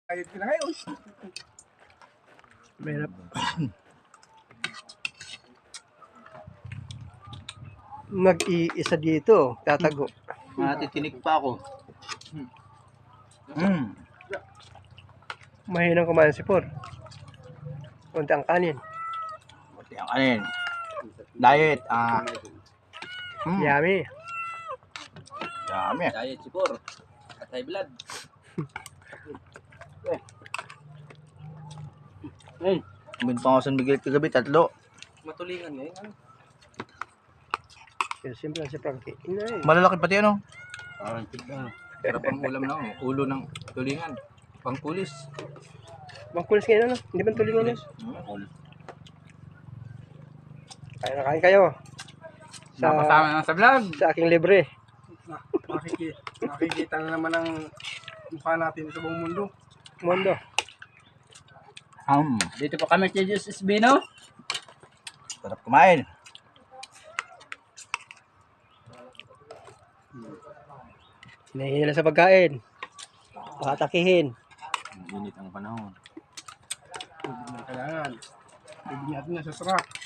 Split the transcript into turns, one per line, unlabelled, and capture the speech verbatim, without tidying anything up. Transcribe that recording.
Ayun ka na ngayon.
Mahirap. Mag-iisa dito, tatago.
Matitinig pa ako. Mm.
Mahinang kumain si Por. Kunti ang kanin.
Buti ang kanin. Diet. Ah. Mm.
Yummy.
Dami.
Diet si Por. At high blood.
Mm. Bin pa ako San Miguel kagabi, tatlo.
Matulingan ngayon. Ano?
Pero simple lang si Frankie. Inay.
Malalaki pati ano.
Parang tignan. Sarap ang ulam na ako. Ulo ng tulingan. Pangkulis.
Bangkulis ngayon ano? Hindi ba tulingan yun?
Hmm.
Kain na kain kayo. Sa,
Napasama na sa vlog.
sa aking libre.
Na, makikita, makikita na naman ang mukha natin sa buong mundo.
Mundo.
Um.
Dito po kami kay Diyos Esbino.
Sarap kumain.
Hinahihila sa pagkain. Pakatakihin.
Init ang panahon.
Hindi na kailangan. Hindi natin na sa sarap.